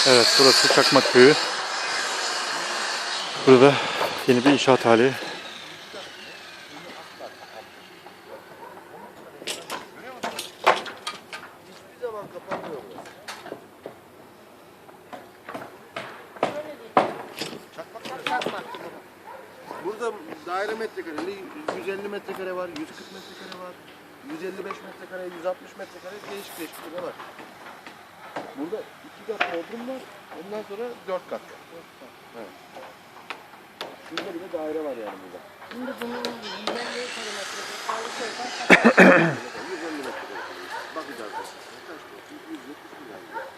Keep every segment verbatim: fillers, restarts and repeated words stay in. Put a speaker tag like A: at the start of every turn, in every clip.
A: Evet, burası Çakmak Köyü. Burada yeni bir inşaat hali.
B: Hiçbir zaman kapanmıyor burası. Çakmak çakmak. Burada daire metrekareli yüz elli metrekare var, yüz kırk metrekare var, yüz elli beş metrekare, yüz altmış metrekare değişik değişik bir var. Burada iki kat bodrum var, ondan sonra dört kat. Evet. Şurada bir de daire var yani burada.
C: Şimdi bunun yüz elli kilometre kaldı koysan
B: yüz elli metrekare. Bakacağız. Kaç olsun? yüz yetmiş milyar.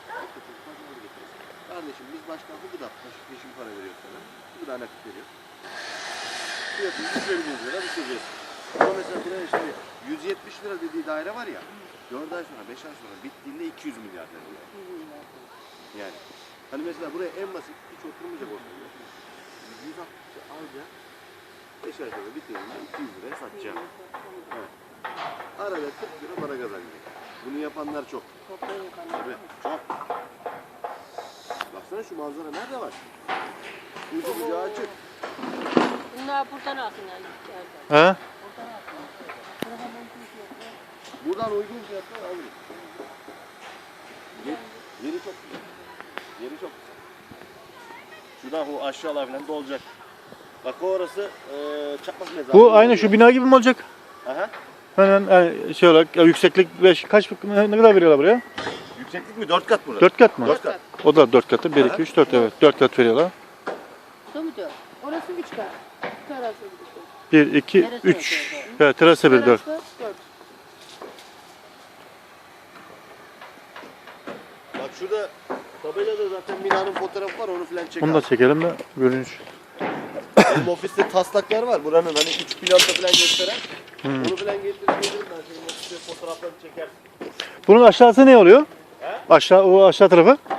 B: Kardeşim biz başkan bu gıda peşin para veriyoruz sana. Bu gıda nakit veriyor. Fiyatı yüz elli lira bitireceğiz. Ama mesela buraya işte yüz yetmiş lira dediği daire var ya. dört ay sonra, beş ay sonra bittiğinde iki yüz milyar lira. Yani. Hani mesela buraya en basit hiç oturmayacak ortamda. yüz altmışı alacağım. beş ay sonra bittiğinde iki yüz liraya satacağım. Evet. Arada kırk lira para kazanacak. Bunu yapanlar çok. Tabii, çok. Baksana şu manzara nerede var? Ucu bucağı açık.
C: bunlar buradan alsın yani.
A: He?
C: Buradan alsın. Buradan mümkün yok.
B: Buradan uygun fiyatlar alırız. Yeri, yeri çok güzel. Yeri çok güzel. Şuradan bu aşağılar falan dolacak. Bak o orası e, çakmak mezarı.
A: Bu aynı şu bina gibi mi olacak?
B: Aha.
A: Hemen yani şey olarak ya yükseklik beş kaç ne kadar veriyorlar buraya?
B: Yükseklik mi? Dört kat burada.
A: dört kat mı?
B: Dört kat.
A: O da dört katı. bir iki üç dört evet. dört kat veriyorlar.
C: Şu mu diyor? Orası üç kat. Terası
A: bir iki
C: Neresi
A: üç.
C: dört?
A: Evet, terasa bir dört.
C: dört.
B: Bak şurada tabelada zaten binanın fotoğrafı var, onu falan çek.
A: Bunu da çekelim de görünüş.
B: Benim ofiste taslaklar var. Buranın hani üç planda falan gösteren.
A: Hmm.
B: Onu falan getirip gelirim ben senin ofiste fotoğraflarını çekersin.
A: Bunun aşağısı ne oluyor?
B: He?
A: Aşağı o aşağı tarafı.